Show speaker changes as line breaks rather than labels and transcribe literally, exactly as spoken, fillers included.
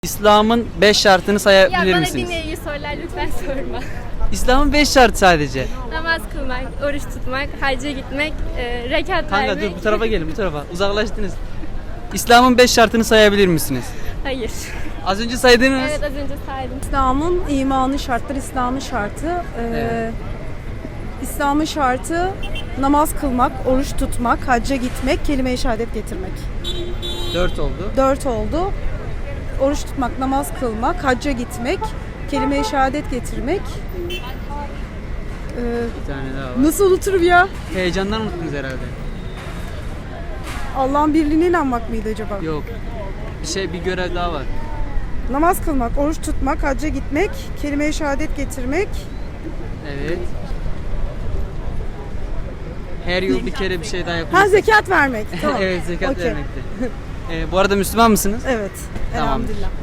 İslam'ın beş şartını
Ya
sayabilir
bana
misiniz?
dinle iyi sorular lütfen sorma.
İslam'ın beş şartı sadece.
Namaz kılmak, oruç tutmak, hacca gitmek, e, rekat
Kanka
vermek.
dur bu tarafa gelin bu tarafa. Uzaklaştınız. İslam'ın beş şartını sayabilir misiniz?
Hayır.
Az önce saydınız.
Evet az önce saydım.
İslam'ın imanı şartları, İslam'ın şartı. Ee,
Evet.
İslam'ın şartı namaz kılmak, oruç tutmak, hacca gitmek, kelime-i şehadet getirmek.
Dört oldu.
Dört oldu. Oruç tutmak, namaz kılmak, hacca gitmek, kelime-i şehadet getirmek. Ee,
Bir tane daha var.
nasıl unuturum ya?
Heyecandan unuttunuz herhalde.
Allah'ın birliğine inanmak mıydı acaba?
Yok. Bir şey bir görev daha var.
Namaz kılmak, oruç tutmak, hacca gitmek, kelime-i şehadet getirmek.
Evet. Her yıl bir kere bir şey daha
Ha,
yapıyoruz.
zekat vermek. Tamam.
Evet zekat
Okey.
vermekti. Ee, bu arada Müslüman mısınız?
Evet.
Tamamdır.
Elhamdülillah.